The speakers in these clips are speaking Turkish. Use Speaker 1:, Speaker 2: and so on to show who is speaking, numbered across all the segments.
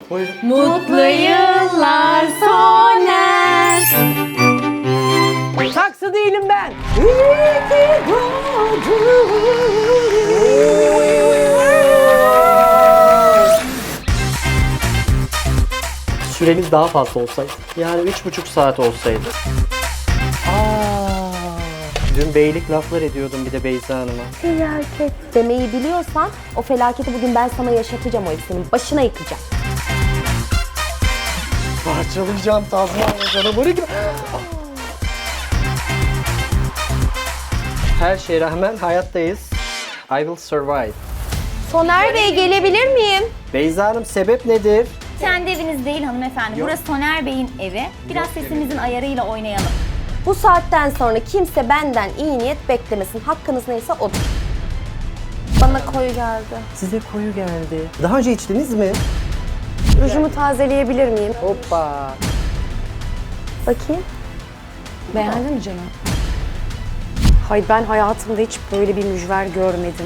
Speaker 1: Buyurun.
Speaker 2: Mutlu yıllar Soner.
Speaker 1: Saksı değilim ben. İyi ki Süremiz daha fazla olsaydı. Yani 3,5 saat olsaydı. Dün beylik laflar ediyordum bir de Beyza Hanım'a.
Speaker 2: Felaket demeyi biliyorsan o felaketi bugün ben sana yaşatacağım, o senin başına yıkacağım.
Speaker 1: Parçalayacağım Tazmanya canavarı gibi. Her şeye rağmen hayattayız. I will survive.
Speaker 2: Soner Bey, gelebilir miyim?
Speaker 1: Beyza Hanım, sebep nedir?
Speaker 3: Kendi eviniz değil hanımefendi.
Speaker 1: Yok.
Speaker 3: Burası Soner Bey'in evi. Biraz sesimizin ayarıyla oynayalım.
Speaker 2: Bu saatten sonra kimse benden iyi niyet beklemesin. Hakkınız neyse odur. Bana koyu geldi.
Speaker 1: Size koyu geldi. Daha önce içtiniz mi?
Speaker 2: Rujumu tazeleyebilir miyim?
Speaker 1: Hoppa.
Speaker 2: Bakayım.
Speaker 4: Beğendin mi canım? Hayır, ben hayatımda hiç böyle bir mücver görmedim.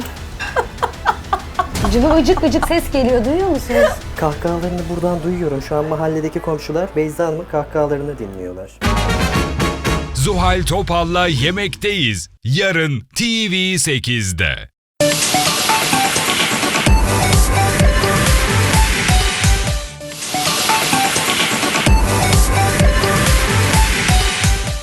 Speaker 4: Cıvı ıcık ıcık ses geliyor, duyuyor musunuz?
Speaker 1: Kahkahalarını buradan duyuyorum. Şu an mahalledeki komşular Beyza Hanım'ın kahkahalarını dinliyorlar.
Speaker 5: Zuhal Topal'la Yemekteyiz. Yarın TV8'de.